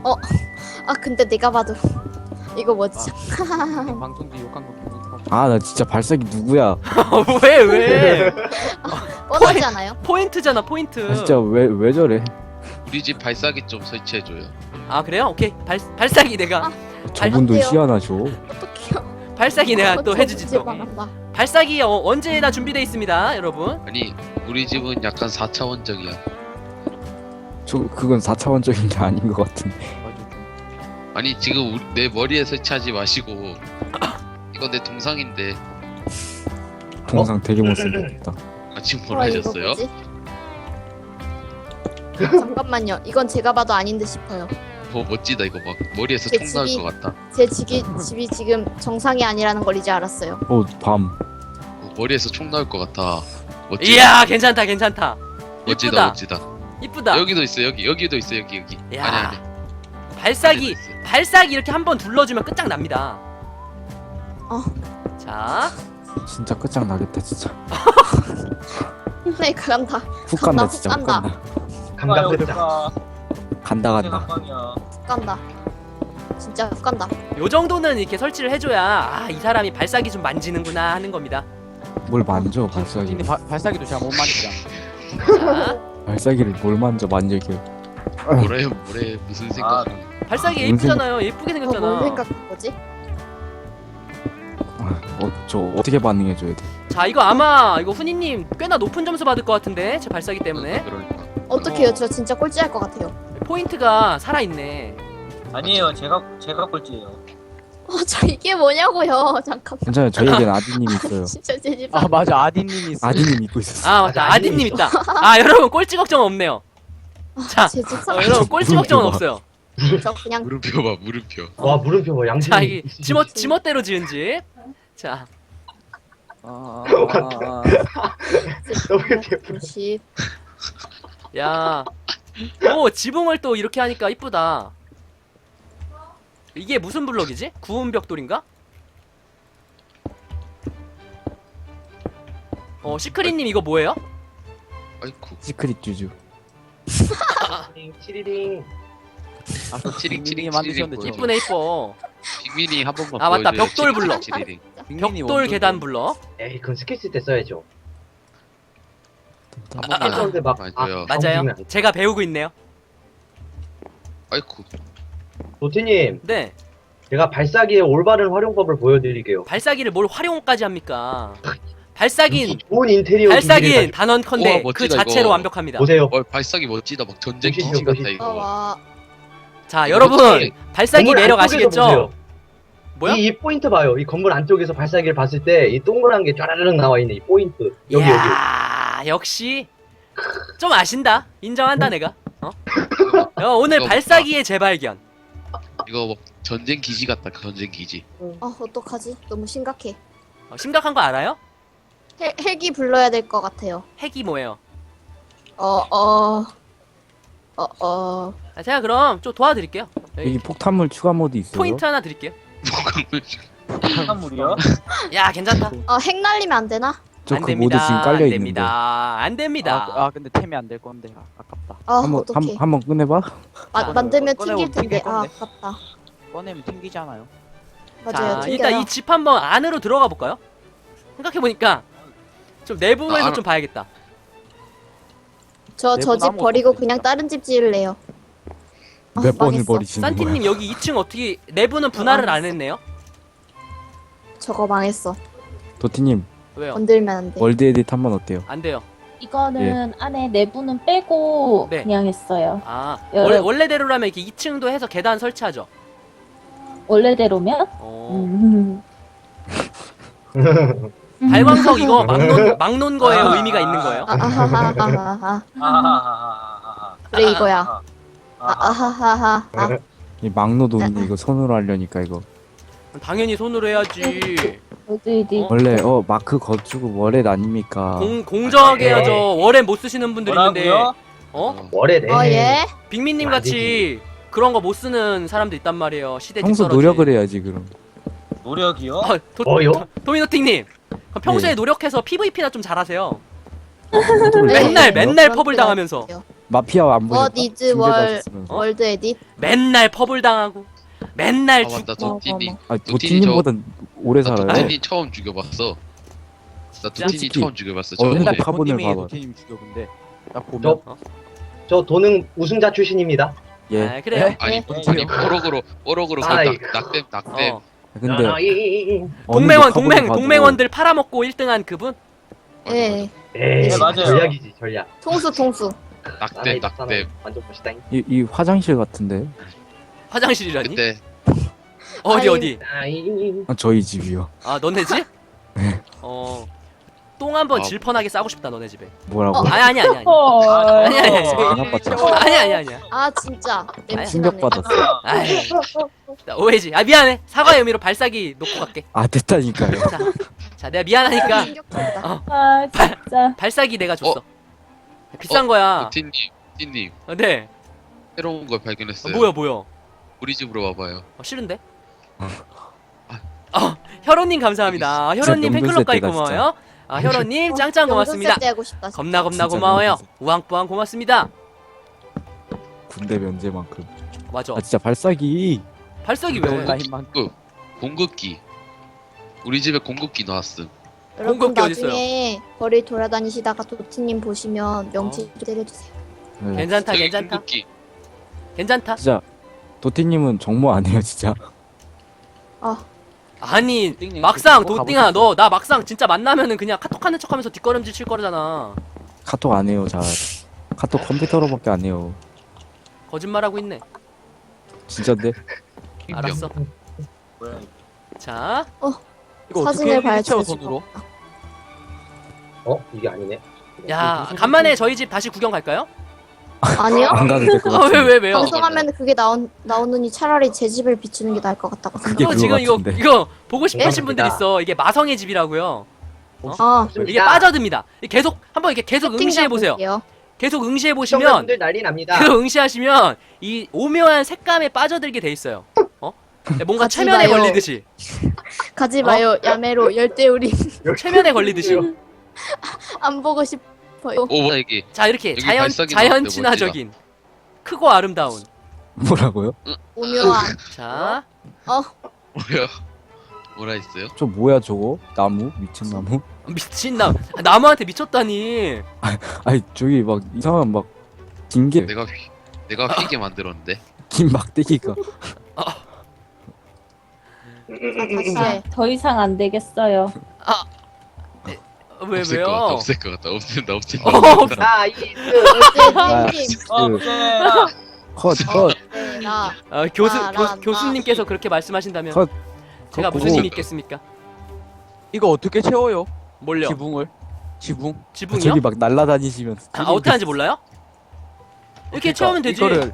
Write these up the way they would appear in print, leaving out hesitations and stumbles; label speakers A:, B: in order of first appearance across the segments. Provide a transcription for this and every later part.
A: 아 근데 내가 봐도 이거 뭐지?
B: 방송지 욕한 거 기분
C: 아 나 진짜 발사기 누구야?
D: 왜?
A: 뻔하지 않아요?
D: 포인트잖아 포인트.
C: 아, 진짜 왜 저래?
E: 우리 집 발사기 좀 설치해줘요.
D: 아 그래요? 오케이 발사기 내가
C: 저분도
A: 돼요.
C: 희한하죠.
A: 어떡해요?
D: 발사기 내가 또 해주지 또.
A: 말한다.
D: 발사기 언제나 준비돼 있습니다 여러분.
E: 아니 우리 집은 약간 4차원적이야.
C: 그건 4차원적인 게 아닌 것 같은데.
E: 아니 지금 내 머리에 설치하지 마시고 이건 내 동상인데.
C: 동상 되게 못생겼다.
E: 아 지금 뭘
A: 와, 이거
E: 하셨어요?
A: 뭐지? 잠깐만요. 이건 제가 봐도 아닌데 싶어요.
E: 멋지다 이거 막 머리에서
A: 제
E: 총 나올
A: 집이-
E: 것 같다.
A: 제 집이 지금 정상이 아니라는 걸 이제 알았어요.
C: 밤.
E: 머리에서 총 나올 것 같아. 멋지다.
D: 이야 괜찮다 괜찮다.
E: 멋지다
D: 이쁘다.
E: 멋지다.
D: 이쁘다.
E: 여기도 있어 여기도 있어 여기.
D: 야.
E: 아니
D: 발사기
E: 여기도 있어.
D: 발사기 이렇게 한번 둘러주면 끝장납니다. 자
C: 진짜 끝장나겠다 진짜.
A: 힘내 간다.
C: 훅 간다
A: 훅
C: 진짜 훅
A: 간다.
C: 간다.
B: 간다
C: 간다.
A: 훅 간다. 진짜 훅 간다.
D: 요 정도는 이렇게 설치를 해줘야 아 이 사람이 발사기 좀 만지는구나 하는 겁니다.
C: 뭘 만져 발사기.
B: 근데 발사기도 제가 못 만지잖아.
D: 자
C: 발사기를 뭘 만져 만져게.
E: 뭐래 무슨 생각?
D: 발사기
C: 뭔
D: 예쁘잖아요. 예쁘게
A: 뭘
D: 생겼잖아.
A: 생각한 거지?
C: 저 어떻게 반응해줘야 돼?
D: 자 이거 아마 이거 훈이님 꽤나 높은 점수 받을 것 같은데 제 발사기 때문에
E: 그러니까.
A: 어떡해요? 저 진짜 꼴찌할 것 같아요.
D: 포인트가 살아있네.
B: 아니에요, 제가 꼴찌예요.
A: 저 이게 뭐냐고요? 잠깐만.
C: 괜찮아요. 저희에겐 아디님 있어요.
A: 진짜 제 집.
B: 아 맞아, 아디님이 있어.
C: 아디님 믿고 있었어.
D: 아 맞다 아디님 있다. 아 여러분 꼴찌 걱정 없네요. 자
A: 제집
D: 여러분 꼴찌 걱정은
C: 물음표
D: 없어요.
A: 저 그냥
E: 물음표 봐 물음표.
F: 와 물음표 뭐 양심.
D: 자 이게 지멋대로 지은 집. 자
F: 너무 예뻐.
A: 집.
D: 야, 오 지붕을 또 이렇게 하니까 이쁘다. 이게 무슨 블럭이지? 구운 벽돌인가? 시크릿님 이거 뭐예요?
E: 아이쿠.
C: 시크릿 주주.
F: 치리링.
E: 치링, 치링,
B: 만드셨는데
E: 치링.
D: 이쁘네 이뻐.
E: 빅민이 한 번만
D: 아, 맞다.
E: 보여줘요.
D: 벽돌
E: 치링,
D: 블럭.
E: 치링.
D: 벽돌 계단 블럭.
F: 에이 그건 스킬 쓸 때 써야죠.
E: 한
F: 스킬
E: 번만.
F: 썼는데 막
E: 맞아요.
D: 맞아요.
F: 움직이면 안 돼.
D: 제가 배우고 있네요.
E: 아이쿠.
F: 도티님,
D: 네,
F: 제가 발사기의 올바른 활용법을 보여드릴게요.
D: 발사기를 뭘 활용까지 합니까? 발사기는
F: 좋은 인테리어
D: 발사기는
F: 기기를
D: 단언컨대
E: 우와,
D: 그
E: 멋지다,
D: 자체로
E: 이거.
D: 완벽합니다.
F: 보세요.
E: 발사기 멋지다. 막 전쟁
F: 멋있죠,
E: 기지 같다
F: 멋있죠.
E: 이거.
A: 와.
D: 자, 여러분 발사기
F: 건물
D: 매력
F: 안쪽에서
D: 아시겠죠?
F: 보세요.
D: 뭐야?
F: 이 포인트 봐요. 이 건물 안쪽에서 발사기를 봤을 때 이 동그란 게 쫘라르륵 나와 있는 이 포인트. 여기.
D: 이야, 역시 좀 아신다. 인정한다 내가. 오늘
E: 이거
D: 발사기의 재발견.
E: 이거 막 전쟁 기지 같다. 전쟁 기지.
A: 어떡하지? 너무 심각해.
D: 심각한 거 알아요?
A: 헬기 불러야 될 것 같아요.
D: 핵이 뭐예요? 제가 그럼 좀 도와드릴게요.
C: 여기 폭탄물 추가 모드 있어요.
D: 포인트 하나 드릴게요.
B: 한물이요?
D: 야, 괜찮다.
A: 핵 날리면 안 되나?
C: 저
D: 안
C: 그
D: 됩니다.
C: 모드 지금 깔려
D: 안
C: 있는데.
D: 됩니다. 안 됩니다.
B: 근데 템이 안 될 건데 아깝다.
A: 어떡해.
C: 한번 꺼내봐.
A: 만들면
B: 꺼내고
A: 튕길 텐데.
B: 튕길 건데.
A: 아깝다.
B: 꺼내면 튕기잖아요.
A: 맞아요.
D: 자, 일단
A: 튕겨요.
D: 이 집 한번 안으로 들어가 볼까요? 생각해 보니까 좀 내부에서
E: 아,
D: 좀 봐야겠다.
A: 저
B: 내부
A: 집
B: 나무
A: 버리고
B: 어떡해,
A: 그냥
B: 진짜.
A: 다른 집 지을래요.
C: 몇 번을
A: 망했어.
C: 버리시는 거야?
D: 산티님 여기 2층 어떻게 내부는 분할을 안 했네요?
A: 저거 망했어.
C: 도티님
D: 왜요?
A: 건들면 안 돼.
C: 월드 에딧 한번 어때요?
D: 안 돼요.
G: 이거는 안에 내부는 빼고
D: 네.
G: 그냥 했어요.
D: 아,
G: 여러-
D: 원래대로라면 이렇게 2층도 해서 계단 설치하죠.
G: 원래대로면?
D: 어. 발광석 이거 막놓은 거에 의미가 있는 거예요?
A: 아하하하하. 그래 이거야. 아하하하.
C: 이 막노도 있는데 이거 손으로 하려니까 이거
D: 당연히 손으로 해야지.
G: 어디
C: 원래 마크 거주고 월렛 아닙니까?
D: 공정하게 해야죠. 월에 못 쓰시는 분들 있는데.
B: 뭐라고요?
F: 월에네.
A: 예.
D: 빅민님
F: 안
D: 같이 그런 거 못 쓰는 사람도 있단 말이에요. 시대
C: 평소
D: 뒤떨어지.
C: 노력을 해야지 그럼.
B: 노력이요?
F: 뭐요?
D: 도미노팅님 평소에
C: 네.
D: 노력해서 PVP나 좀 잘하세요.
A: 네.
D: 맨날
A: 그런
D: 펍을
A: 필요
D: 당하면서.
A: 없어요.
C: 마피아 안 보니까
A: What is 월-
C: 징계받았으면서.
A: 월드 에딧.
D: 맨날 퍼블 당하고 맨날
E: 아 맞다 도티님.
C: 아
E: 도티님
C: 도티님보단 오래
E: 나
C: 살아요.
E: 도티님 처음 죽여봤어. 나 도티님
C: 솔직히
E: 처음 죽여봤어.
C: 맨날
E: 저번에.
C: 카본을
B: 도티님이
C: 봐봐.
B: 도티님 죽여 근데 딱 보면
F: 저 도능 우승자 출신입니다.
C: 예.
D: 아, 그래요.
E: 아니
B: 네.
E: 아니 뽀록으로
F: 아이.
E: 낙댐 낙댐.
D: 어.
C: 근데
F: 아, 이.
D: 동맹원
C: 어느 카본을 봐도
D: 동맹원들 팔아먹고 1등한 그분.
A: 예.
F: 에이,
B: 네, 맞아요.
F: 전략이지 전략.
A: 통수.
E: 낙댐 낙댐.
F: 완전 멋있다.
C: 이 화장실 같은데.
D: 화장실이라니?
E: 그때
D: 어디
A: 아이.
D: 어디?
C: 아, 저희 집이요.
D: 아 너네 집?
C: 네.
D: 똥 한번
E: 아.
D: 질펀하게 싸고 싶다 너네 집에.
C: 뭐라고?
D: 아니.
G: 헐.
D: 아니. 아니야.
A: 아 진짜 냄새
C: 충격
A: 나네.
C: 받았어.
D: 아이, 나 오해지. 아 미안해. 사과의 의미로 발사기 놓고 갈게.
C: 아 됐다니까요.
D: 자 내가 미안하니까
A: 충격적이다.
G: 아 진짜.
D: 발사기 내가 줬어. 비싼 거야.
E: 도티님
D: 네.
E: 새로운 걸 발견했어요.
D: 뭐야?
E: 우리 집으로 와봐요.
D: 싫은데? 혈원님 감사합니다. 혈원님
C: 진짜
D: 팬클럽 가입
C: 명분세대다,
D: 고마워요. 혈원님 짱짱 고맙습니다.
A: 때 하고 싶다.
D: 겁나
C: 진짜
D: 고마워요.
C: 명분세.
D: 우왕뿌왕 고맙습니다.
C: 군대 면제만큼.
D: 맞아.
C: 아 진짜 발사기.
D: 발사기 왜?
B: 온라인만
E: 공급기. 우리 집에 공급기 나왔음.
A: 여러분
D: 공급기 어딨어요?
A: 나중에 거리 돌아다니시다가 도티님 보시면 명치 때려주세요.
C: 네.
D: 괜찮다.
E: 저기 공급기.
D: 괜찮다.
C: 진짜 도티님은 정모 안 해요 진짜.
D: 아니
B: 도띵님
D: 막상
B: 그거
D: 도띵아
B: 가보셨어요?
D: 너 나 막상 진짜 만나면은 그냥 카톡하는 척하면서 뒷걸음질 칠 거잖아.
C: 카톡 안 해요 잘. 카톡 컴퓨터로밖에 안 해요.
D: 거짓말하고 있네.
C: 진짜인데?
D: 알았어. 자
B: 이거
A: 사진을
B: 어떻게
A: 봐야
B: 채워
A: 지
B: 손으로?
F: 이게 아니네.
D: 야, 간만에 저희 집 다시 구경 갈까요?
A: 아니요?
C: 안 가도 될 것 같아.
D: 왜요?
A: 방송하면 그게 나오느니 차라리 제 집을 비추는 게 나을 것 같다고
C: 그게
A: 생각.
D: 지금 이거
C: 같은데.
D: 이거 보고 싶으신 분들
F: 감사합니다.
D: 있어. 이게 마성의 집이라고요.
A: 아,
D: 이게 빠져듭니다. 계속 한번 이렇게 계속 응시해 보세요.
A: 볼게요.
D: 계속 응시해 보시면
F: 시청자분들 난리 납니다.
D: 계속 응시하시면 이 오묘한 색감에 빠져들게 돼 있어요. 뭔가
A: 가지
D: 최면에
A: 마요.
D: 걸리듯이.
A: 가지 마요. 야매로 열대우리
D: 최면에 걸리듯이.
A: 안 보고 싶어요.
E: 뭐야 이게?
D: 자, 이렇게
E: 여기
D: 자연
E: 발사기 나왔는데
D: 자연 친화적인 크고 아름다운.
C: 뭐라고요?
A: 오묘한.
D: 자,
E: 뭐야? 뭐라 했어요?
C: 저 뭐야 저거? 나무? 미친 나무?
D: 미친나 나무한테 미쳤다니.
C: 아니 저기 막 이상한 막 긴게
E: 내가 휘게 만들었는데.
C: 긴 막대기가.
A: 다시
G: 아,
A: 해.
G: 더 이상 안 되겠어요.
D: 왜요?
E: 없앨 것 같다. 없앤다.
F: 아, 이
A: 열대우리.
C: 컷.
A: 나.
D: 교수님께서 그렇게 말씀하신다면
C: 컷.
D: 제가
C: 컷
D: 무슨
C: 보고.
D: 힘이 있겠습니까?
B: 이거 어떻게 채워요?
D: 뭘요?
B: 지붕을? 지붕?
D: 지붕이요?
C: 저기 막 날라다니시면.
D: 어떻게 하는지 몰라요? 이렇게 채우면 되지.
B: 이거를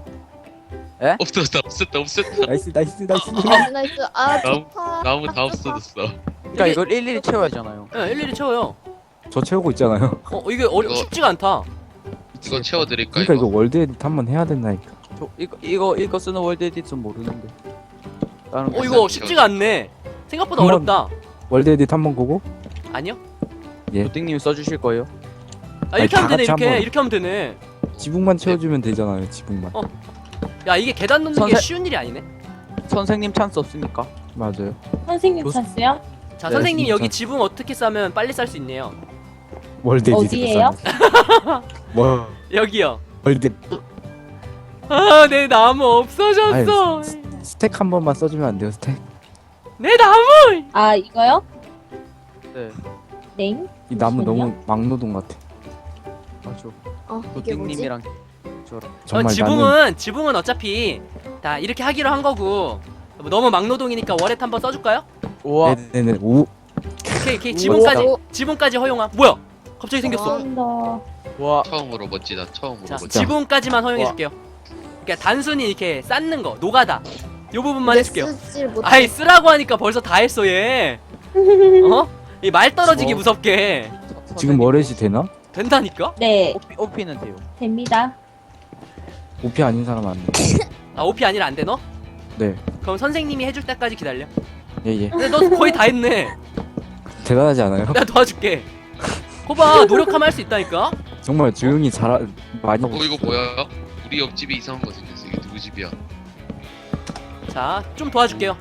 E: 없앴다.
C: 나이스.
A: 나이스. 아,
E: 나무-
A: 좋다.
E: 나무 다 없어졌어.
B: 그러니까 이걸 일일이 채워야 하잖아요.
D: 네, 일일이 채워요.
C: 저 채우고 있잖아요.
D: 이게
E: 이거-
D: 쉽지가 않다.
E: 이거 채워드릴까
C: 그러니까 이거
E: 이거?
C: 월드 에딧 한번 해야 된다니까.
B: 저 이거 쓰는 월드 에디트는 모르는데. 다른 거
D: 이거 쉽지가 않네. 생각보다
C: 한번-
D: 어렵다.
C: 월드 에딧 한번 보고.
D: 아니요?
B: 도띵님 써주실 거예요?
D: 이렇게
C: 다
D: 하면 되네.
C: 같이 한번.
D: 이렇게 하면 되네.
C: 지붕만 채워주면 되잖아요. 지붕만.
D: 야, 이게 계단 놓는 게
B: 선생-
D: 쉬운 일이 아니네.
B: 선생님 찬스 없습니까?
C: 맞아요.
G: 선생님
B: 교수-
G: 찬스요?
D: 자,
C: 네,
D: 선생님
C: 진짜.
D: 여기 지붕 어떻게 싸면 빨리 쌀 수 있네요.
C: 월드 에딧.
G: 어디예요?
C: 뭐
D: 여기요.
C: 월드
D: 아, 내 나무 없어졌어.
C: 스택 한 번만 써주면 안 돼요? 스택?
D: 내 나무.
G: 아 이거요?
B: 네.
G: 네.
C: 이 나무
G: 잠시만요.
C: 너무 막노동 같아.
B: 맞아.
A: 이게 뭐지?
B: 도띵님이랑
C: 정말
D: 지붕은 어차피 다 이렇게 하기로 한 거고 너무 막노동이니까 월렛 한번 써줄까요?
B: 우와.
C: 네네네. 오.
D: 오케이
A: 우와.
D: 지붕까지 허용함. 뭐야? 갑자기 생겼어.
G: 좀 더.
B: 와.
E: 처음으로 멋지다. 처음으로
D: 자,
E: 멋지다.
D: 지붕까지만 허용해줄게요. 그러니까 단순히 이렇게 쌓는 거, 노가다. 요 부분만 해줄게요.
A: 쓰질 못해.
D: 아이 쓰라고 하니까 벌써 다 했어 얘. 이 말 떨어지기
B: 뭐.
D: 무섭게
C: 지금 월렛이 되나?
D: 된다니까?
G: 네
B: 오피는 돼요.
G: 됩니다.
C: 오피 아닌 사람 안 돼.
D: 아 OP 아니라 안 돼 너?
C: 네.
D: 그럼 선생님이 해줄 때까지 기다려.
C: 예.
D: 근데 너 거의 다 했네.
C: 대단하지 않아요?
D: 내가 도와줄게. 거봐 노력하면 할 수 있다니까.
C: 정말 조용히 많이 하고
E: 이거 뭐야? 우리 옆집에 이상한 거 생겼어. 이게 누구 집이야?
D: 자, 좀 도와줄게요.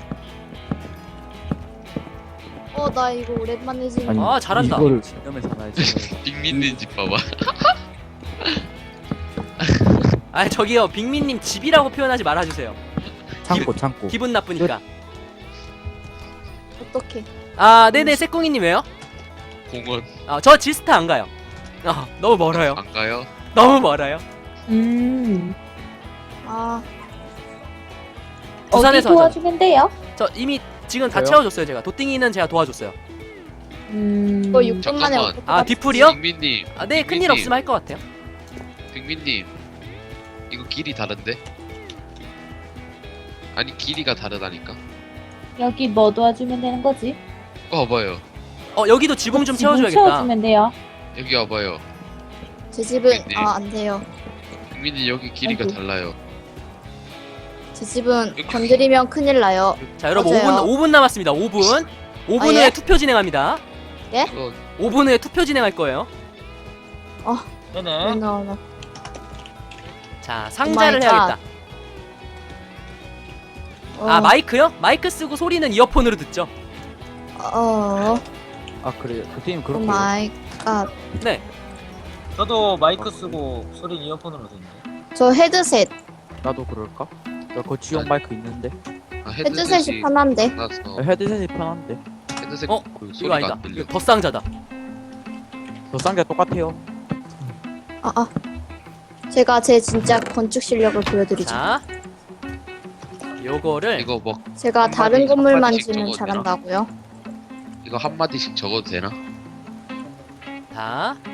A: 나 이거 오랜만에 지금.
C: 아니,
D: 아, 잘한다.
C: 이거를
B: 이러면 살아야지.
E: 빅민님 집 봐봐.
D: 아, 저기요. 빅민님 집이라고 표현하지 말아주세요.
C: 창고
D: 기분 나쁘니까.
A: 어떡해.
D: 아, 네네, 새꿍이님 왜요?
E: 공원
D: 저 지스타 안 가요. 너무 멀어요.
E: 안 가요?
D: 너무 멀어요.
A: 아,
G: 어디
D: 부산에서 하잖아.
G: 도와주면 돼요?
D: 저 이미 지금 다
B: 왜요?
D: 채워줬어요, 제가. 도띵이는 제가 도와줬어요.
A: 이거 6분 만에
E: 잠깐만.
A: 어떻게
D: 아, 뒤풀이요?
E: 빅민님.
D: 네, 큰일
E: 빅민님.
D: 없으면 할 것 같아요.
E: 빅민님. 이거 길이 다른데? 아니 길이가 다르다니까.
G: 여기 뭐 도와주면 되는 거지?
E: 와봐요.
D: 여기도 지붕 좀
G: 지붕
D: 채워줘야겠다.
G: 채워주면 돼요.
E: 여기 와봐요.
A: 제 집은
E: 빅민님.
A: 안 돼요.
E: 빅민님 여기 길이가
G: 아이고.
E: 달라요.
A: 제 집은 건드리면 큰일 나요.
D: 자, 여러분
A: 맞아요.
D: 5분 남았습니다. 5분. 5분
A: 아,
D: 후에
A: 예?
D: 투표 진행합니다.
E: 이거
D: 5분 후에 투표 진행할 거예요.
H: 네네.
A: 나.
D: 자, 상자를
A: 갓.
D: 해야겠다. 아, 마이크요? 마이크 쓰고 소리는 이어폰으로 듣죠.
B: 아 그래요. 도티님
A: 오
B: 그렇게.
A: 마이 갓.
D: 네.
H: 저도 마이크 쓰고 소리 이어폰으로 듣는데.
A: 저 헤드셋.
B: 나도 그럴까? 나 거치용 마이크 있는데.
A: 헤드셋이 편한데.
E: 나서
B: 헤드셋이 편한데.
E: 헤드셋
D: 어?
E: 그
D: 이거
E: 소리가
D: 아니다.
E: 안 들려.
D: 이거 더 쌍자다.
B: 저 쌍자 똑같아요.
A: 제가 제 진짜 건축 실력을 보여드리죠.
D: 자, 요거를
E: 이거 뭐
A: 제가
E: 한
A: 다른
E: 마디,
A: 건물만
E: 한 마디씩
A: 지면
E: 적어도 되나?
A: 잘한다고요.
E: 이거 한 마디씩 적어도 되나?
D: 다,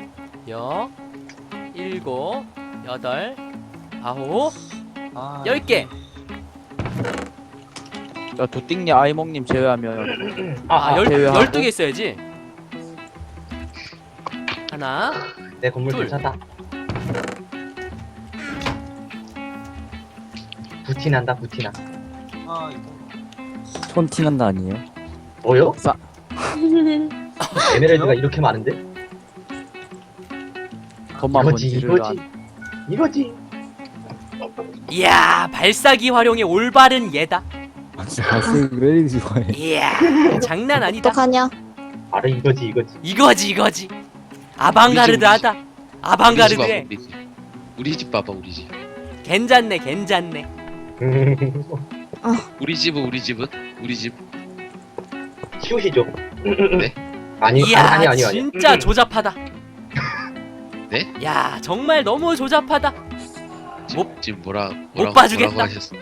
D: 일곱, 여덟, 아홉,
H: 아,
D: 10개.
B: 야 도띵님 아이몽님 제외하면 제외하고.
D: 12개 있어야지. 하나,
F: 내 건물
D: 둘.
F: 괜찮다. 부티난다 부티나.
H: 아 이거.
C: 촌티난다 아니에요?
F: 뭐요?
B: 싸.
F: 에메랄드가 이렇게 많은데?
B: 돈만
F: 이거지
B: 번지를
F: 이거지 이거지.
D: 이야, 발사기 활용의 올바른 예다.
C: 진짜 발색을 좋아해.
D: 이야, 장난 아니다.
A: 어떡하냐?
F: 바로 이거지 이거지.
D: 이거지. 아방가르드하다. 아방가르드해.
E: 우리 집 봐봐 우리 집.
D: 괜찮네.
E: 우리 집은 우리 집.
F: 치우시죠.
E: 네?
F: 아니
D: 이야,
F: 아니.
D: 진짜 조잡하다.
E: 네?
D: 야, 정말 너무 조잡하다.
E: 지금
D: 못 봐주겠다.
E: 뭐라고 하셨어?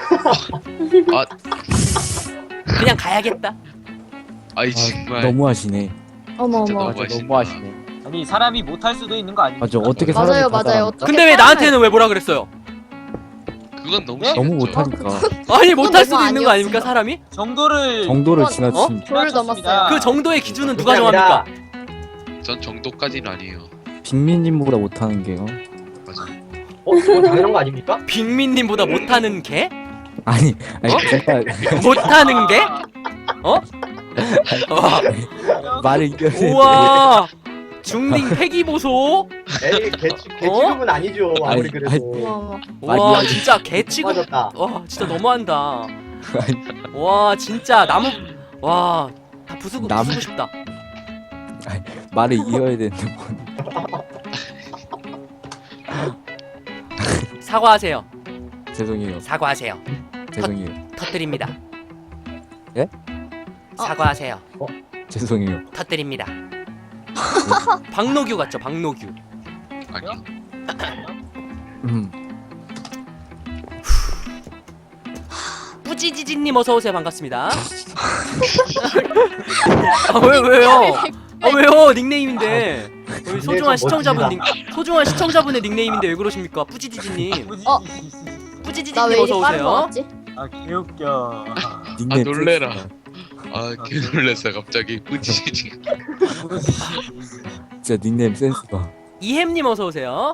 D: 그냥 가야겠다.
E: 아이 정말.
C: 너무하시네.
A: 어머
E: 진짜
A: 어머.
E: 너무-
B: 맞아 너무 하시네.
H: 아니 사람이 못할 수도 있는 거 아닙니까?
C: 맞아 어떻게
A: 맞아요,
C: 사람이 다
A: 맞아요.
C: 잘합니까?
A: 어떡해,
D: 근데 왜 나한테는 왜 뭐라 그랬어요?
E: 그건 너무
H: 네?
C: 너무
E: 심했죠.
C: 못하니까
D: 아니, 못할 수도
A: 너무
D: 있는 거 아닙니까,
A: 아니었어요.
D: 사람이?
H: 정도를
C: 정도를
A: 어?
C: 지나친
A: 저를 넘었어요.
D: 그 정도의 기준은 누가
F: 그게 아니라
D: 정합니까?
E: 전 정도까지는 아니에요.
C: 빅민님보다 못하는 게요.
E: 맞아.
F: 그건 당연한 거 아닙니까?
D: 빅민님보다 못하는 개?
C: 아니 잠깐
D: 못하는 개? 어?
C: 말을 이겨야
D: 우와, 중딩 패기 보소.
F: 에이 개 취급은 아니죠. 아무리
C: 아니,
F: 그래도.
A: 어머.
D: 와,
C: 많이
D: 진짜 개 취급.
F: 맞았다.
D: 와, 진짜 너무한다. 와, 진짜 나무. 와, 다 부수고 싶다.
C: 말을 이어야 되는데 뭐.
D: 사과하세요.
C: 죄송해요.
D: 사과하세요.
C: 죄송해요.
D: 터뜨립니다.
C: 예?
D: 사과하세요.
C: 죄송해요.
D: 터뜨립니다. 박노규 같죠, 박노규.
E: 아니.
D: 뿌지지지님 어서 오세요. 반갑습니다. 왜요? 왜요? 닉네임인데. 우리 소중한 시청자분 소중한 시청자분의 닉네임인데 왜 그러십니까? 뿌지지지님.
A: 나
D: 뿌지지지님
A: 왜
D: 어서
A: 이리 빠른 거
D: 오세요.
A: 같지?
H: 아 개웃겨.
C: 닉네임
E: 놀래라.
C: 센스가.
E: 개 놀랐어 갑자기. 뿌지지.
C: 진짜 닉네임 센스가.
D: 이햄님 어서 오세요.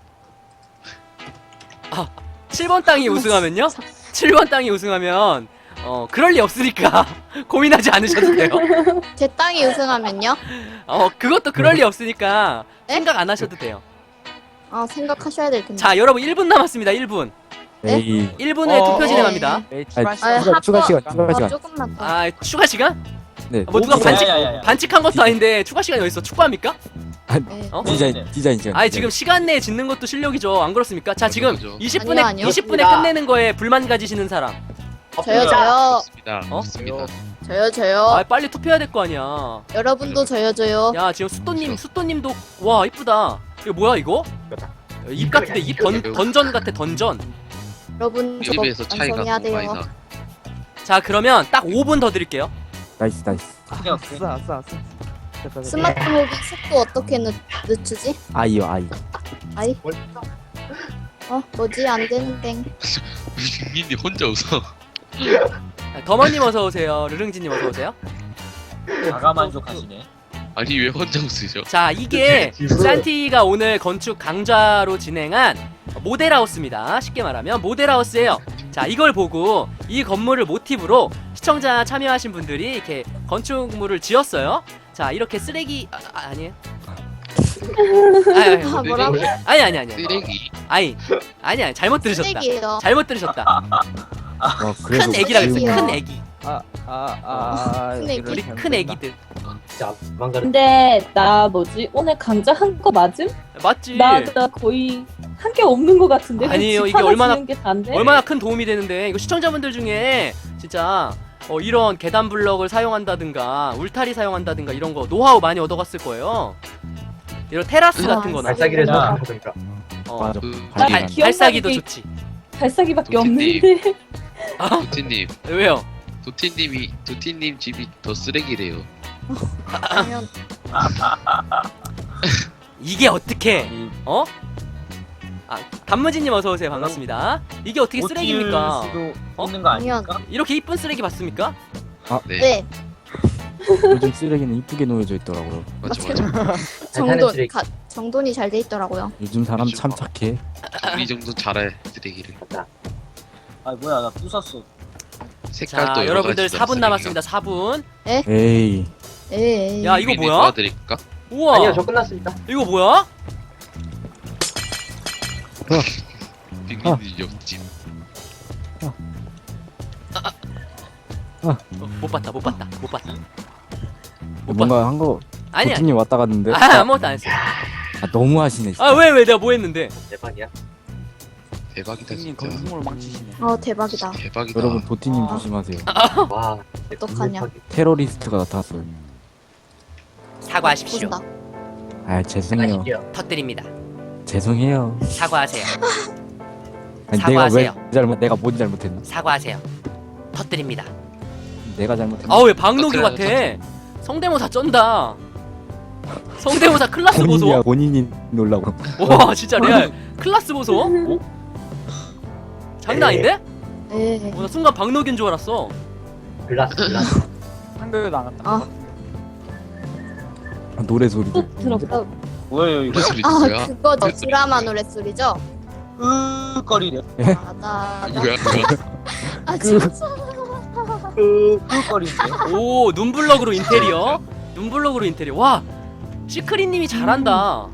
D: 7번 땅이 우승하면요? 7번 땅이 우승하면 그럴 리 없으니까 고민하지 않으셔도 돼요.
A: 제 땅이 우승하면요?
D: 그것도 그럴 리 없으니까
A: 네?
D: 생각 안 하셔도 돼요.
A: 생각하셔야 될 텐데.
D: 자, 여러분 1분 남았습니다. 1분.
C: 에이.
D: 1분에 투표 진행합니다.
B: 에이,
C: 아니,
B: 추가
C: 추가 시간, 추가 시간.
A: 조금만 더.
D: 추가 시간?
C: 네.
D: 뭐 누가 반칙
H: 야야야야.
D: 반칙한 것도 아닌데 추가 시간이 어딨어? 축구합니까?
A: 네.
C: 디자인 시간.
D: 아니 지금 시간 내에 짓는 것도 실력이죠. 안 그렇습니까? 자, 지금
E: 그렇죠.
D: 20분에
A: 아니요.
D: 20분에 끝내는 거에 불만 가지시는 사람.
A: 저요.
E: 좋습니다.
D: 어?
E: 좋습니다.
A: 저요.
D: 빨리 투표해야 될 거 아니야.
A: 여러분도 저요.
D: 야, 지금 수또님도 와, 이쁘다. 이거 뭐야 이거? 입 같은데 입 던전 같아, 던전.
A: 여러분 저거
E: 입에서 차이가
A: 완성해야
E: 너무 많이
A: 돼요.
E: 나.
D: 자, 그러면 딱 5분 더 드릴게요.
C: 나이스.
H: 오케이 오케이.
B: 아싸.
A: 스마트 모비 속도 어떻게 늦추지?
C: 아이요.
A: 아이. 뭐지 안 되는 땡.
E: 민이 혼자 웃어.
D: 더머님 어서 오세요. 르릉지님 어서 오세요.
H: 자가 만족하시네.
E: 아니 왜 혼자 웃으죠?
D: 자, 이게 산티가 오늘 건축 강좌로 진행한 모델하우스입니다. 쉽게 말하면 모델하우스예요. 자, 이걸 보고 이 건물을 모티브로 시청자 참여하신 분들이 이렇게 건축물을 지었어요. 자, 이렇게 쓰레기 아니에요?
A: 뭐라고?
D: 아니.
E: 쓰레기.
D: 아니 잘못 들으셨다.
A: 쓰레기예요.
D: 잘못 들으셨다. 큰 애기라 그랬어요. 큰 애기.
A: 큰
D: 우리 큰 애기들.
F: 진짜 망가르.
G: 근데 나 오늘 강좌 한 거 맞음?
D: 맞지?
G: 나 거의 한 게 없는 거 같은데.
D: 아니에요,
G: 집
D: 이게
G: 하나
D: 얼마나-
G: 지은 게 다인데?
D: 얼마나 큰 도움이 되는데. 이거 시청자분들 중에 진짜 이런 계단 블럭을 사용한다든가 울타리 사용한다든가 이런 거 노하우 많이 얻어갔을 거예요. 이런 테라스 같은 거나.
F: 발사기를
H: 야.
F: 생각하니까.
C: 맞아.
E: 그
G: 나
D: 발,
G: 기억나는
D: 발사기도
G: 게-
D: 좋지.
G: 발사기밖에
E: 도티님.
G: 없는데.
E: 도티님,
D: 왜요?
E: 도티님 집이 더 쓰레기래요.
A: 그러면
D: 이게 어떻게? 단무지님 어서 오세요. 반갑습니다. 이게 어떻게
H: 못
D: 쓰레기입니까?
H: 지을 수도
D: 어?
H: 있는 거 아닙니까?
D: 이렇게 이쁜 쓰레기 봤습니까?
E: 네.
A: 네.
C: 요즘 쓰레기는 이쁘게 놓여져 있더라고요.
E: 맞아.
A: 정돈
F: 쓰레기.
A: 정돈이 잘 돼 있더라고요.
C: 요즘 사람 참 착해.
E: 우리 정도 잘해 쓰레기를.
H: 아 뭐야 나 부쉈어.
E: 색깔도
D: 자,
E: 여러
D: 여러분들
E: 가지다,
D: 4분 남았습니다. 4분.
C: 에이.
A: 에이.
D: 야, 이거 뭐야?
E: 도와드릴까?
D: 우와.
F: 아니요, 저 끝났습니다.
D: 이거 뭐야?
E: 빅민이 옆집.
D: 못 봤다. 못 봤다.
C: 뭔가 한 거
D: 아니야.
C: 도티님 왔다 갔는데.
D: 아무것도 안 했어.
C: 너무 하시네. 진짜.
D: 왜 내가 뭐 했는데?
F: 대박이야.
E: 대박이다
B: 형님
E: 진짜.
B: 건축물을 망치시네.
A: 대박이다.
E: 대박이다.
C: 여러분 도티님
A: 아.
C: 조심하세요.
F: 와.
A: 어떡하냐.
C: 테러리스트가 나타났어요.
D: 사과하십시오.
A: 본다.
C: 죄송해요.
F: 아시죠?
D: 터뜨립니다.
C: 죄송해요.
D: 사과하세요.
C: 아니,
D: 사과하세요.
C: 내가 뭔 잘못했나?
D: 사과하세요. 터뜨립니다.
C: 내가 잘못했나?
D: 왜 박노규 같아?
E: 터뜨려요,
D: 성대모사 쩐다. 성대모사 클라스 보소.
C: 본인이 놀라고.
D: 와, 진짜 레알 클라스 보소. 장난 아닌데?
A: 네.
D: 나 순간 박노규인 줄 알았어.
F: 글라스.
B: 한글도 안 갔다.
C: 노래 소리도.
G: 들어보다.
H: 뭐예요 이거?
E: 무슨 소리 뭐야?
A: 그거죠. 드라마 노랫소리죠?
H: 으거리래.
A: 나.
E: 뭐야?
A: 진짜.
H: 으거리인데.
D: 오, 눈블럭으로 인테리어. 와, 시크릿님이 잘한다.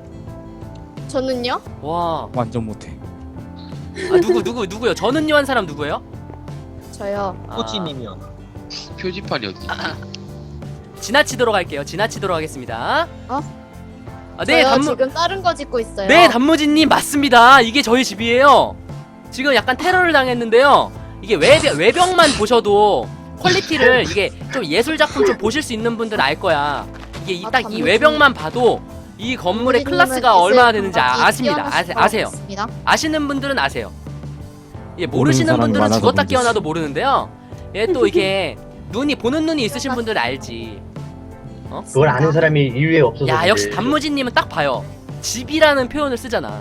A: 저는요?
D: 와,
C: 완전 못해.
D: 누구요? 저는요 한 사람 누구예요?
A: 저요.
H: 코치님이요.
E: 표지판이 어디?
D: 지나치도록 할게요. 지나치도록 하겠습니다. 네,
A: 저요 지금 다른 거 짓고 있어요.
D: 네, 단무지님 맞습니다. 이게 저희 집이에요. 지금 약간 테러를 당했는데요. 이게 외벽만 보셔도 퀄리티를 이게 좀 예술 작품 좀 보실 수 있는 분들 알 거야. 이게 딱 이
A: 단무지.
D: 외벽만 봐도 이 건물의 클래스가 얼마나 되는지 아십니다. 아세요. 아시는 분들은 아세요. 예, 모르시는
C: 사람이
D: 분들은
C: 많아서
D: 죽었다
C: 문제지.
D: 깨어나도 모르는데요. 예, 또 이게 보는 눈이 있으신 분들은 알지.
F: 그걸 아는 사람이 인류에 없어서.
D: 야, 역시
F: 그래.
D: 단무지님은 딱 봐요. 집이라는 표현을 쓰잖아.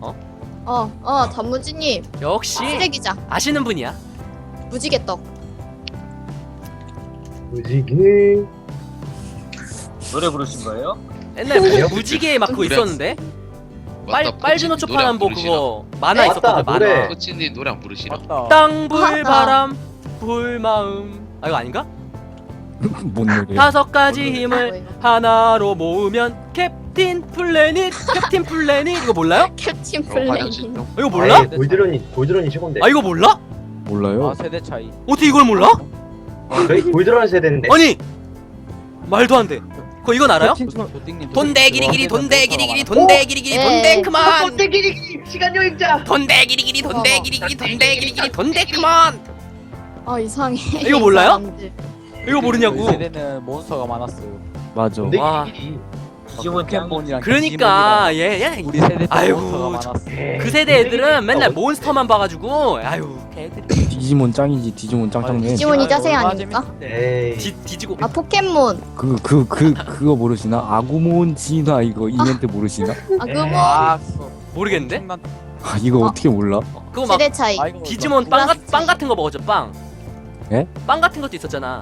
A: 단무지님
D: 역시
A: 쓰레기장
D: 아시는 분이야.
A: 무지개떡.
F: 무지개.
H: 노래 부르신 거예요?
D: 옛날에 무지개 막 그거
E: 노래
D: 있었는데.
E: 맞다,
D: 빨주노
E: 코치님
D: 초파란 뭐
E: 노래 안
D: 그거 만화
F: 네,
D: 있었거든.
F: 맞다, 노래.
D: 만화.
E: 코치님 노래 안 부르시나?
B: 맞다.
D: 땅불 바람 불마음. 아 이거 아닌가?
C: 뭔 노래야?
D: 5가지 힘을 하나로 모으면 캡틴 플래닛. 캡틴 플래닛 이거 몰라요?
A: 캡틴
E: 화장실
A: 플레이.
E: 좀.
D: 이거 몰라?
F: 골드런이 최고인데.
D: 아 이거 몰라?
C: 몰라요?
B: 아 세대 차이.
D: 어떻게 이걸 몰라?
F: 저희 골드런 세대인데.
D: 아니 말도 안 돼. 그거 이건 알아요?
B: 도띵님.
D: 돈대 기리기리 돈대 기리기리 돈대 기리기리 돈대 그만.
F: 꼰대 기리기 시간 여행자.
D: 돈대 기리기리 돈대 기리기리 돈대 기리기리 돈대 그만.
A: 아 이상해.
D: 이거 몰라요?
A: 사람들.
D: 이거 모르냐고.
B: 우리 세대는 몬스터가 많았어요.
C: 맞아.
F: 꼰대
D: 와.
F: 기리기.
H: 디지몬 짱.
B: 포켓몬이랑
D: 그러니까
B: 디지몬이랑
D: 얘
B: 우리 세대 때
D: 아이고.
B: 몬스터가 많았어.
D: 그 세대 애들은 맨날 몬스터만 봐가지고 아유 걔들이
C: 디지몬 짱이지. 디지몬 짱짱맨.
A: 디지몬이 짜세
B: 얼마나
A: 아닙니까?
B: 재밌는데.
F: 에이.
D: 뒤지고.
A: 아 포켓몬.
C: 그거 모르시나? 아구몬 진화 이거 이벤트 모르시나?
A: 아 그거
B: 아,
D: 모르겠는데?
C: 아 이거 어떻게 몰라?
D: 그거 막
A: 세대 차이.
B: 아이고,
D: 디지몬 빵 같은 거 먹었죠 빵.
C: 예?
D: 빵 같은 것도 있었잖아.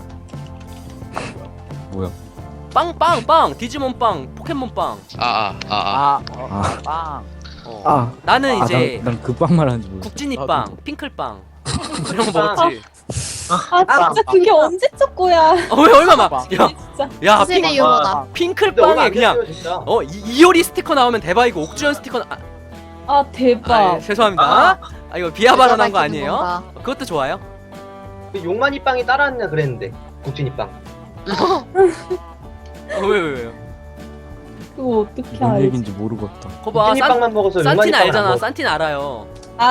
C: 뭐야?
D: 빵 디지몬 빵 포켓몬 빵.
B: 빵.
D: 어. 나는 이제
C: 난그 빵 말하는지 몰라.
D: 국진이
B: 나도.
D: 빵 핑클빵 이런 거 먹었지.
G: 아 진짜 그게 언제적 거야.
D: 왜 얼마 막
G: 진짜.
D: 야
A: 그 세대 유머다.
F: 근데 얼마
D: 핑클빵에
F: 안
D: 그냥
F: 됐어요, 진짜.
D: 이효리 스티커 나오면 대박이고 옥주현 스티커
G: 아 대박.
D: 죄송합니다. 아 이거 비하 발언한 거
A: 밝히는
D: 아니에요?
A: 건가.
D: 그것도 좋아요.
F: 그 용만이 빵이 따라왔냐 그랬는데. 국진이 빵.
D: 왜요?
G: 그거 어떻게
C: 뭔
G: 알지?
C: 얘긴지 모르겠다.
D: 거봐
F: 국진이 빵만 먹어서 용만이
D: 산틴
F: 빵을 안
D: 알잖아.
F: 먹어.
D: 산틴 알아요.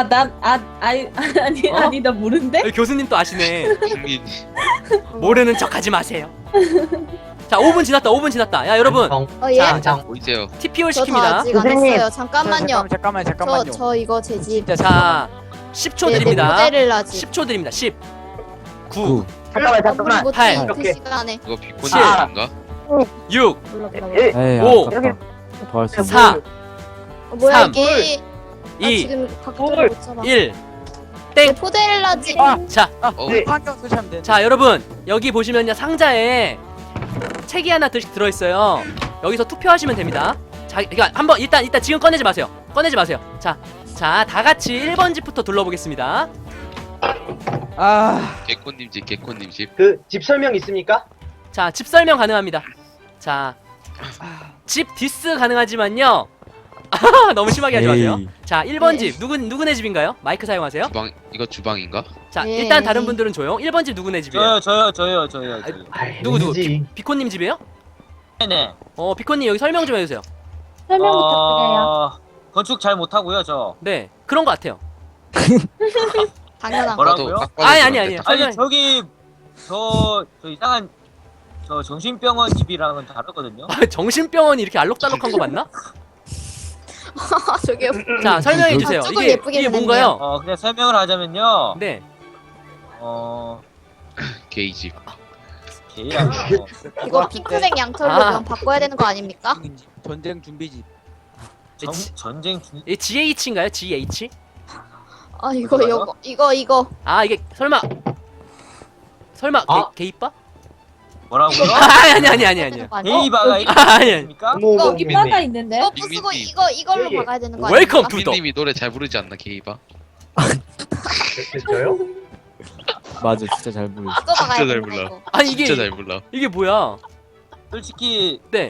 G: 아니
D: 어?
G: 아니 나 모른데?
D: 교수님 또 아시네.
E: 국민.
D: 모르는 척 하지 마세요. 자 5분 지났다. 야 여러분
F: 정,
A: 어 예?
D: 자,
F: 정.
E: 보이세요?
D: TPO
A: 저 다
D: 시킵니다.
A: 아직 안 했어요. 잠깐만요.
B: 잠깐만요.
A: 저 이거 제 집.
D: 자 10초
A: 내
D: 드립니다.
A: 모델을 집.
D: 10초 드립니다. 10 9
C: 구.
A: 잠깐만. 못해
D: 팔.
A: 그 시간에.
E: 이거 비콘
D: 칠.
E: 인가?
D: 6
A: 몰라.
C: 에이
D: 오.
C: 아깝다. 더 할 수 있어.
D: 4
A: 뭐야
D: 삼.
A: 이게? 나
D: 2
A: 지금 각도를 못 잡아.
D: 1
A: 내 포데렐라 집.
D: 자,
B: 환경 쓰시면 돼.
D: 자 여러분 여기 보시면요 상자에 책이 하나 들어있어요. 여기서 투표하시면 됩니다. 자 이거 한번 일단 지금 꺼내지 마세요. 자 다 같이 1번 집부터 둘러보겠습니다.
E: 개콘님 집.
F: 그 집 설명 있습니까?
D: 자 집 설명 가능합니다. 자 집 디스 가능하지만요. 너무 심하게 하지 마세요.
C: 에이.
D: 자 1번
A: 네.
D: 집 누구네 집인가요? 마이크 사용하세요.
E: 주방 이거 주방인가?
D: 자
A: 네.
D: 일단 다른 분들은 조용. 1번 집 누구네 집이에요?
H: 저요.
F: 아이,
D: 누구?
F: 왠지.
D: 비코님 집이에요?
H: 네네.
D: 비코님 여기 설명 좀 해주세요.
G: 설명 부탁드려요.
H: 건축 잘 못하고요 저.
D: 네 그런 것 같아요.
A: 당연한 거.
H: 뭐라고요?
D: 아니.
H: 아니 저기 저 이상한 저 정신병원 집이랑은 다르거든요.
D: 정신병원이 이렇게 알록달록한 거 맞나?
A: 저게
D: 자 설명해 주세요.
A: 조금
D: 이게
A: 예쁘게
D: 뭔가요?
H: 그냥 설명을 하자면요.
D: 네.
E: 게이 집.
H: 개야.
A: 이거 핑크색 양털로
D: 아.
A: 면 바꿔야 되는 거 아닙니까?
B: 전쟁 준비집.
H: 전쟁 중.
D: 이 GH인가요? GH?
A: 아 이거
H: 뭐라고요?
A: 이거
D: 아 이게 설마
F: 아.
D: 게이빠?
H: 뭐라고요?
D: 아니.
H: 게이바가
D: 아니.
H: 있습니까?
F: 어머,
G: 여기 바가 있는데?
A: 이거 부수고 이걸로
F: 예.
A: 박아야 되는 거
D: 웰컴
A: 아닙니까?
D: 투-
E: 국민님이 노래 잘 부르지 않나 게이바?
F: 저요?
C: 맞아 진짜 잘 부르.
A: 이거 박아야
E: 진짜 잘
A: 되는
E: 몰라.
A: 거.
D: 아니
E: 진짜
D: 이게
E: 잘 불러.
D: 이게 뭐야?
H: 솔직히
D: 네.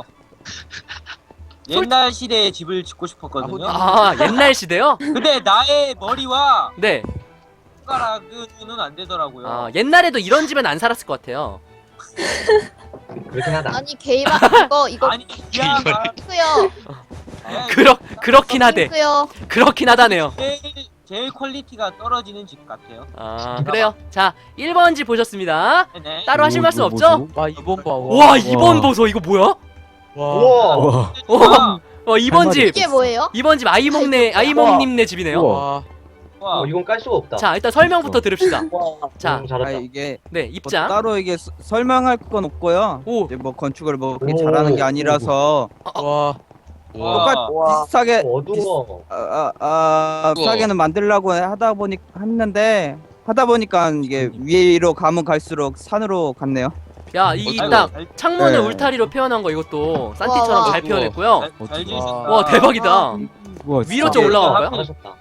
H: 옛날 시대에 집을 짓고 싶었거든요.
D: 아 옛날 시대요?
H: 근데 나의 머리와
D: 네.
H: 손가락은 안 되더라고요.
D: 아 옛날에도 이런 집엔 안 살았을 것 같아요.
F: 그렇긴 하다.
A: 아니 게이바 이거
H: 아니 기아가
A: 핑크요.
D: 그렇긴 하대.
A: 핑크요.
D: 그렇긴 하다네요.
H: 제일 퀄리티가 떨어지는 집 같아요.
D: 아 그래요. 자 1번 집 보셨습니다.
H: 네네.
D: 따로 하실 말씀 없죠?
B: 와 이번 봐.
D: 와 2번 보소 이거 뭐야?
F: 우와.
C: 와.
H: 와,
D: 2번 집.
A: 이게 뭐예요?
D: 2번 집 아이몽님네 집이네요.
C: 우와.
H: 와.
F: 이건 깔 수가 없다.
D: 자 일단 설명부터 들읍시다. 자,
F: 너무 잘했다.
I: 이게
D: 네
I: 뭐
D: 입장.
I: 따로 이게 설명할 건 없고요.
D: 오.
I: 이제 뭐 건축을 뭐 그렇게
F: 오.
I: 잘하는 게 아니라서
B: 와.
H: 와.
I: 비슷하게
F: 어두워.
I: 비슷하게는 만들려고 하다 보니까 이게 위로 가면 갈수록 산으로 갔네요.
D: 야 이
E: 아이고,
D: 딱
H: 잘-
D: 창문을
C: 네.
D: 울타리로 표현한 거 이것도 산티처럼
A: 와.
D: 잘 표현했고요.
H: 잘 지으셨다.
D: 와 대박이다.
C: 우와,
D: 위로
C: 진짜.
D: 좀 올라가 봐요.
F: 잘하셨다.